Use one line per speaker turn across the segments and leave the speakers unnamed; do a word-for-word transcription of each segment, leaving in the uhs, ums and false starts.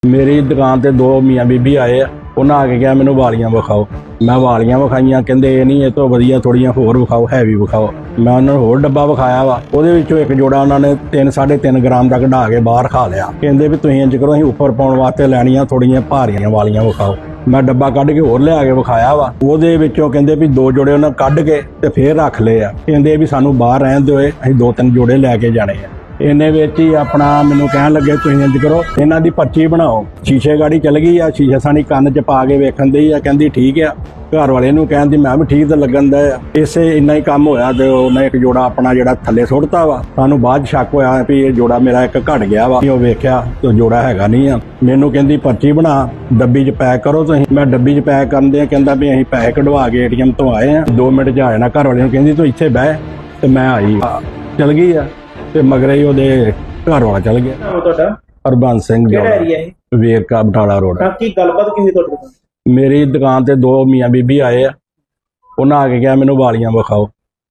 ਮੇਰੀ ਦੁਕਾਨ ਤੇ ਦੋ ਮੀਆਂ ਬੀਬੀ ਆਏ ਆ। ਉਹਨਾਂ ਆ ਕੇ ਕਿਹਾ ਮੈਨੂੰ ਵਾਲੀਆਂ ਵਿਖਾਓ। ਮੈਂ ਵਾਲੀਆਂ ਵਿਖਾਈਆਂ, ਕਹਿੰਦੇ ਇਹ ਨਹੀਂ, ਇਹ ਤੋਂ ਵਧੀਆ ਥੋੜੀਆਂ ਹੋਰ ਵਿਖਾਓ, ਹੈਵੀ ਵਿਖਾਓ। ਮੈਂ ਉਹਨਾਂ ਨੂੰ ਹੋਰ ਡੱਬਾ ਵਿਖਾਇਆ ਵਾ, ਉਹਦੇ ਵਿੱਚੋਂ ਇੱਕ ਜੋੜਾ ਉਹਨਾਂ ਨੇ ਤਿੰਨ ਸਾਢੇ ਤਿੰਨ ਗ੍ਰਾਮ ਦਾ ਕਢਾ ਕੇ ਬਾਹਰ ਖਾ ਲਿਆ। ਕਹਿੰਦੇ ਵੀ ਤੁਸੀਂ ਇੰਜ ਕਰੋ, ਅਸੀਂ ਉੱਪਰ ਪਾਉਣ ਵਾਸਤੇ ਲੈਣੀਆਂ ਥੋੜੀਆਂ ਭਾਰੀਆਂ ਵਾਲੀਆਂ ਵਿਖਾਓ। ਮੈਂ ਡੱਬਾ ਕੱਢ ਕੇ ਹੋਰ ਲਿਆ ਕੇ ਵਿਖਾਇਆ ਵਾ, ਉਹਦੇ ਵਿੱਚੋਂ ਕਹਿੰਦੇ ਵੀ ਦੋ ਜੋੜੇ ਉਹਨਾਂ ਕੱਢ ਕੇ ਤੇ ਫੇਰ ਰੱਖ ਲਏ ਆ। ਕਹਿੰਦੇ ਵੀ ਸਾਨੂੰ ਬਾਹਰ ਰਹਿਣ ਦਿਓ, ਅਸੀਂ ਦੋ ਤਿੰਨ ਜੋੜੇ ਲੈ ਕੇ ਜਾਣੇ ਆ। ਇਹਨੇ ਵਿੱਚ ਹੀ ਆਪਣਾ ਮੈਨੂੰ ਕਹਿਣ ਲੱਗੇ ਤੁਸੀਂ ਇੰਜ ਕਰੋ, ਇਹਨਾਂ ਦੀ ਪਰਚੀ ਬਣਾਓ। ਸ਼ੀਸ਼ੇ ਗਾੜੀ ਚਲ ਗਈ ਆ, ਸ਼ੀਸ਼ੇ ਸਾਨੀ ਕੰਨ 'ਚ ਪਾ ਕੇ ਵੇਖਣ ਦੀ ਆ, ਕਹਿੰਦੀ ਠੀਕ ਆ। ਘਰ ਵਾਲੇ ਨੂੰ ਕਹਿੰਦੀ ਮੈਂ ਵੀ ਠੀਕ ਤਾਂ ਲੱਗਣ ਦਾ ਆ। ਇਸੇ ਇੰਨਾ ਹੀ ਕੰਮ ਹੋਇਆ ਤੇ ਉਹਨੇ ਇੱਕ ਜੋੜਾ ਆਪਣਾ ਜਿਹੜਾ ਥੱਲੇ ਸੁੱਟਤਾ ਵਾ। ਸਾਨੂੰ ਬਾਅਦ ਸ਼ੱਕ ਹੋਇਆ ਵੀ ਇਹ ਜੋੜਾ ਮੇਰਾ ਇੱਕ ਘਟ ਗਿਆ ਵਾ। ਉਹ ਵੇਖਿਆ ਤੇ ਜੋੜਾ ਹੈਗਾ ਨਹੀਂ ਆ। ਮੈਨੂੰ ਕਹਿੰਦੀ ਪਰਚੀ ਬਣਾ, ਡੱਬੀ 'ਚ ਪੈਕ ਕਰੋ ਤੁਸੀਂ। ਮੈਂ ਡੱਬੀ 'ਚ ਪੈਕ ਕਰਨ ਦੇ ਕਹਿੰਦਾ ਵੀ ਅਸੀਂ ਪੈਸੇ ਕਢਵਾ ਕੇ ਏਟੀਐਮ ਤੋਂ ਆਏ ਆ, ਦੋ ਮਿੰਟ 'ਚ ਆ ਜਾਣਾ। ਘਰ ਵਾਲੇ ਨੂੰ ਕਹਿੰਦੀ ਤੂੰ ਇੱਥੇ ਬਹਿ, ਤੇ ਮੈਂ ਆਈ ਚਲ ਗਈ ਆ। ਤੇ ਮਗਰੇ ਹੀ ਉਹਦੇ ਘਰ ਵਾਲਾ ਚਲ ਗਿਆ।
ਨਾਮ ਤੁਹਾਡਾ?
ਹਰਬੰਸ ਸਿੰਘ।
ਕਿਹੜਾ ਏਰੀਆ ਹੈ?
ਵੇਰਕਾ ਬਟਾਲਾ ਰੋਡ।
ਤਾਂ ਕੀ ਗੱਲਬਾਤ ਕੀ ਹੋਈ ਤੁਹਾਡੇ ਨਾਲ?
ਮੇਰੀ ਦੁਕਾਨ ਤੇ ਦੋ ਮੀਆਂ ਬੀਬੀ ਆਏ ਆ। ਉਹਨਾਂ ਆ ਕੇ ਕਿਹਾ ਮੈਨੂੰ ਵਾਲੀਆਂ ਵਿਖਾਓ।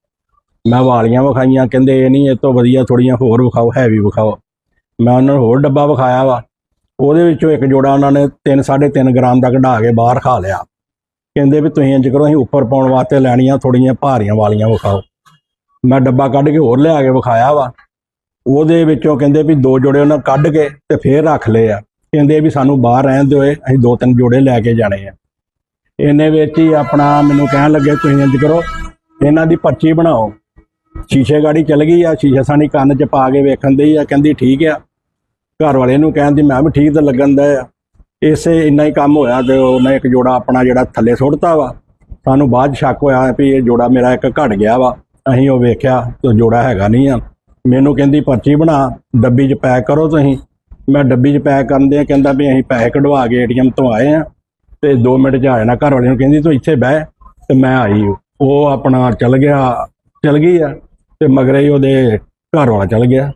ਮੈਂ ਵਾਲੀਆਂ ਵਿਖਾਈਆਂ, ਕਹਿੰਦੇ ਇਹ ਨਹੀਂ, ਇਹ ਤੋਂ ਵਧੀਆ ਥੋੜੀਆਂ ਹੋਰ ਵਿਖਾਓ, ਹੈਵੀ ਵਿਖਾਓ। ਮੈਂ ਉਹਨਾਂ ਨੂੰ ਹੋਰ ਡੱਬਾ ਵਿਖਾਇਆ ਵਾ, ਉਹਦੇ ਵਿੱਚੋਂ ਇੱਕ ਜੋੜਾ ਉਹਨਾਂ ਨੇ ਤਿੰਨ ਸਾਢੇ ਤਿੰਨ ਗ੍ਰਾਮ ਦਾ ਕਢਾ ਕੇ ਬਾਹਰ ਖਾ ਲਿਆ। ਕਹਿੰਦੇ ਵੀ ਤੁਸੀਂ ਇੰਜ ਕਰੋ, ਅਸੀਂ ਉੱਪਰ ਪਾਉਣ ਵਾਸਤੇ ਲੈਣੀਆਂ ਥੋੜੀਆਂ ਭਾਰੀਆਂ ਵਾਲੀਆਂ ਵਿਖਾਓ। ਮੈਂ ਡੱਬਾ ਕੱਢ ਕੇ ਹੋਰ ਲਿਆ ਕੇ ਵਿਖਾਇਆ ਵਾ, ਉਹਦੇ ਵਿੱਚੋਂ ਕਹਿੰਦੇ ਵੀ ਦੋ ਜੋੜੇ ਉਹਨਾਂ ਕੱਢ ਕੇ ਤੇ ਫੇਰ ਰੱਖ ਲਏ ਆ। ਕਹਿੰਦੇ ਵੀ ਸਾਨੂੰ ਬਾਹਰ ਰਹਿਣ ਦਿਓ, ਅਸੀਂ ਦੋ ਤਿੰਨ ਜੋੜੇ ਲੈ ਕੇ ਜਾਣੇ ਆ। ਇਹਨੇ ਵਿੱਚ ਹੀ ਆਪਣਾ ਮੈਨੂੰ ਕਹਿਣ ਲੱਗੇ ਤੁਸੀਂ ਇੰਜ ਕਰੋ, ਇਹਨਾਂ ਦੀ ਪਰਚੀ ਬਣਾਓ। ਸ਼ੀਸ਼ੇ ਗਾੜੀ ਚਲ ਗਈ ਆ, ਸ਼ੀਸ਼ੇ ਸਾਨੀ ਕੰਨ 'ਚ ਪਾ ਕੇ ਵੇਖਣ ਦੀ ਆ, ਕਹਿੰਦੀ ਠੀਕ ਆ। ਘਰ ਵਾਲੇ ਨੂੰ ਕਹਿੰਦੀ ਮੈਂ ਵੀ ਠੀਕ ਤਾਂ ਲੱਗਣ ਦਾ ਆ। ਇਸੇ ਇੰਨਾ ਹੀ ਕੰਮ ਹੋਇਆ ਤੇ ਉਹਨੇ ਇੱਕ ਜੋੜਾ ਆਪਣਾ ਜਿਹੜਾ ਥੱਲੇ ਸੁੱਟਤਾ ਵਾ। ਸਾਨੂੰ ਬਾਅਦ ਸ਼ੱਕ ਹੋਇਆ ਵੀ ਇਹ ਜੋੜਾ ਮੇਰਾ ਇੱਕ ਘਟ ਗਿਆ ਵਾ। ਅਸੀਂ ਉਹ ਵੇਖਿਆ ਤੇ ਜੋੜਾ ਹੈਗਾ ਨਹੀਂ ਆ। ਮੈਨੂੰ ਕਹਿੰਦੀ ਪਰਚੀ ਬਣਾ, ਡੱਬੀ 'ਚ ਪੈਕ ਕਰੋ ਤੁਸੀਂ। ਮੈਂ ਡੱਬੀ 'ਚ ਪੈਕ ਕਰਨ ਦੇ ਕਹਿੰਦਾ ਵੀ ਅਸੀਂ ਪੈਸੇ ਕਢਵਾ ਕੇ ਏਟੀਐਮ ਤੋਂ ਆਏ ਆ, ਤੇ ਦੋ ਮਿੰਟ 'ਚ ਆ ਜਾਣਾ। ਘਰ ਵਾਲੇ ਨੂੰ ਕਹਿੰਦੀ ਤੂੰ ਇੱਥੇ ਬਹਿ, ਤੇ ਮੈਂ ਆਈ। ਉਹ ਆਪਣਾ ਚਲ ਗਿਆ, ਚਲ ਗਈ ਆ। ਤੇ ਮਗਰੇ ਹੀ ਉਹਦੇ ਘਰ ਵਾਲਾ ਚਲ ਗਿਆ।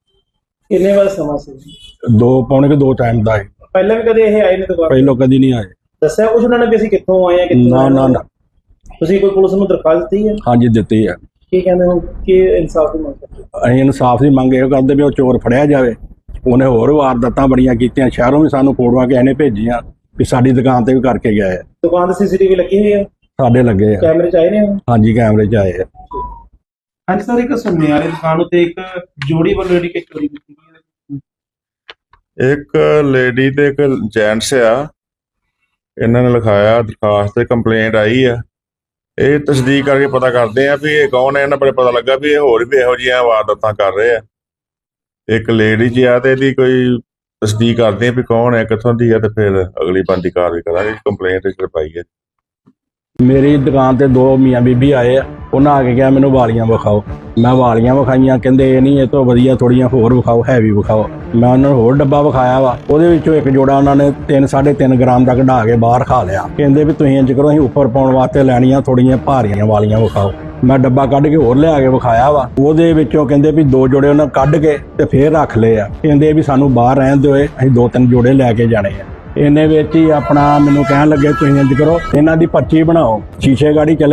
ਕਿੰਨੇ ਵਾਰ ਸਮਾਂ ਸੀ?
ਦੋ ਪੌਣੇ ਕੇ ਦੋ ਟਾਈਮ ਦਾ ਹੈ।
ਪਹਿਲਾਂ ਵੀ ਕਦੇ ਇਹ ਆਏ ਨੇ ਦੁਕਾਨ?
ਪਹਿਲੋਂ ਕਦੀ ਨਹੀਂ ਆਏ।
ਦੱਸਿਆ ਕੁਛ ਉਹਨਾਂ ਨੇ ਵੀ ਅਸੀਂ ਕਿੱਥੋਂ ਆਏ ਆ, ਕਿੱਥੋਂ?
ਨਾ ਨਾ ਨਾ।
ਤੁਸੀਂ ਕੋਈ ਪੁਲਿਸ ਨੂੰ ਦਰਖਾਸਤ ਦਿੱਤੀ ਹੈ?
ਹਾਂਜੀ ਦਿੱਤੀ ਹੈ।
ਕੀ ਕਹਿੰਦੇ ਹੋ ਕਿ ਇਨਸਾਫ ਦੀ ਮੰਗ ਕਰਦੇ?
ਅਸੀਂ ਇਨਸਾਫ ਦੀ ਮੰਗ ਇਹ ਕਰਦੇ ਵੀ ਉਹ ਚੋਰ ਫੜਿਆ ਜਾਵੇ। ਉਹਨੇ ਹੋਰ ਵਾਰਦਾਤਾਂ ਬੜੀਆਂ ਕੀਤੀਆਂ, ਸ਼ਹਿਰੋਂ ਵੀ ਸਾਨੂੰ ਫੋਟੋਆਂ ਕਿਸੇ ਨੇ ਭੇਜੀਆਂ ਵੀ ਸਾਡੀ ਦੁਕਾਨ ਤੇ ਵੀ ਕਰਕੇ ਗਏ ਆ।
ਦੁਕਾਨ ਤੇ ਸੀਸੀਟੀਵੀ ਲੱਗੀ ਹੋਈ ਹੈ?
ਸਾਡੇ ਲੱਗੇ ਆ।
ਕੈਮਰੇ ਚ ਆਏ ਨੇ?
ਹਾਂਜੀ ਕੈਮਰੇ 'ਚ ਆਏ ਆ।
ਹਾਂਜੀ ਸਰ, ਇੱਕ ਸੁਨਿਆਰੇ ਦੁਕਾਨ ਉੱਤੇ ਇੱਕ ਜੋੜੀ ਵੱਲੋਂ ਜਿਹੜੀ ਕਿ ਚੋਰੀ ਕੀਤੀ ਗਈ ਹੈ।
ਇੱਕ ਲੇਡੀ ਤੇ ਇੱਕ ਜੈਂਟਸ ਆ, ਇਹਨਾਂ ਨੇ ਲਿਖਾਇਆ ਦਰਖਾਸਤ ਤੇ ਕੰਪਲੇਂਟ ਆਈ ਆ। ਇਹ ਤਸਦੀਕ ਕਰਕੇ ਪਤਾ ਕਰਦੇ ਆ ਵੀ ਇਹ ਕੌਣ ਹੈ। ਇਹਨਾਂ ਬਾਰੇ ਪਤਾ ਲੱਗਾ ਵੀ ਇਹ ਹੋਰ ਵੀ ਇਹੋ ਜਿਹੀਆਂ ਵਾਰਦਾਤਾਂ ਕਰ ਰਹੇ ਆ। ਇੱਕ ਲੇਡੀ ਜੀ ਆ ਤੇ ਇਹਦੀ ਕੋਈ ਤਸਦੀਕ ਕਰਦੇ ਆ ਵੀ ਕੌਣ ਹੈ, ਕਿੱਥੋਂ ਦੀ ਆ, ਤੇ ਫਿਰ ਅਗਲੀ ਬਣਦੀ ਕਾਰਵਾਈ ਕਰਾਂਗੇ। ਕੰਪਲੇਂਟ ਰਜਿਸਟਰ ਪਾਈ ਹੈ।
ਮੇਰੀ ਦੁਕਾਨ ਤੇ ਦੋ ਮੀਆਂ ਬੀਬੀ ਆਏ ਆ। ਉਹਨਾਂ ਆ ਕੇ ਕਿਹਾ ਮੈਨੂੰ ਵਾਲੀਆਂ ਵਿਖਾਓ। ਮੈਂ ਵਾਲੀਆਂ ਵਿਖਾਈਆਂ, ਕਹਿੰਦੇ ਇਹ ਨਹੀਂ, ਇਹ ਤੋਂ ਵਧੀਆ ਥੋੜੀਆਂ ਹੋਰ ਵਿਖਾਓ, ਹੈਵੀ ਵਿਖਾਓ। ਮੈਂ ਉਹਨਾਂ ਨੂੰ ਹੋਰ ਡੱਬਾ ਵਿਖਾਇਆ ਵਾ, ਉਹਦੇ ਵਿੱਚੋਂ ਇੱਕ ਜੋੜਾ ਉਹਨਾਂ ਨੇ ਤਿੰਨ ਸਾਢੇ ਤਿੰਨ ਗ੍ਰਾਮ ਦਾ ਕਢਾ ਕੇ ਬਾਹਰ ਖਾ ਲਿਆ। ਕਹਿੰਦੇ ਵੀ ਤੁਸੀਂ ਇੰਜ ਕਰੋ, ਅਸੀਂ ਉੱਪਰ ਪਾਉਣ ਵਾਸਤੇ ਲੈਣੀਆਂ ਥੋੜੀਆਂ ਭਾਰੀਆਂ ਵਾਲੀਆਂ ਵਿਖਾਓ। ਮੈਂ ਡੱਬਾ ਕੱਢ ਕੇ ਹੋਰ ਲਿਆ ਕੇ ਵਿਖਾਇਆ ਵਾ, ਉਹਦੇ ਵਿੱਚੋਂ ਕਹਿੰਦੇ ਵੀ ਦੋ ਜੋੜੇ ਉਹਨਾਂ ਕੱਢ ਕੇ ਤੇ ਫੇਰ ਰੱਖ ਲਏ ਆ। ਕਹਿੰਦੇ ਵੀ ਸਾਨੂੰ ਬਾਹਰ ਰਹਿਣ ਦਿਓ, ਅਸੀਂ ਦੋ ਤਿੰਨ ਜੋੜੇ ਲੈ ਕੇ ਜਾਣੇ ਆ। ਇਹਨੇ ਵਿੱਚ ਹੀ ਆਪਣਾ ਮੈਨੂੰ ਕਹਿਣ ਲੱਗੇ ਤੁਸੀਂ ਇੰਜ ਕਰੋ, ਇਹਨਾਂ ਦੀ ਪਰਚੀ ਬਣਾਓ। ਸ਼ੀਸ਼ੇ ਗਾੜੀ ਚਲ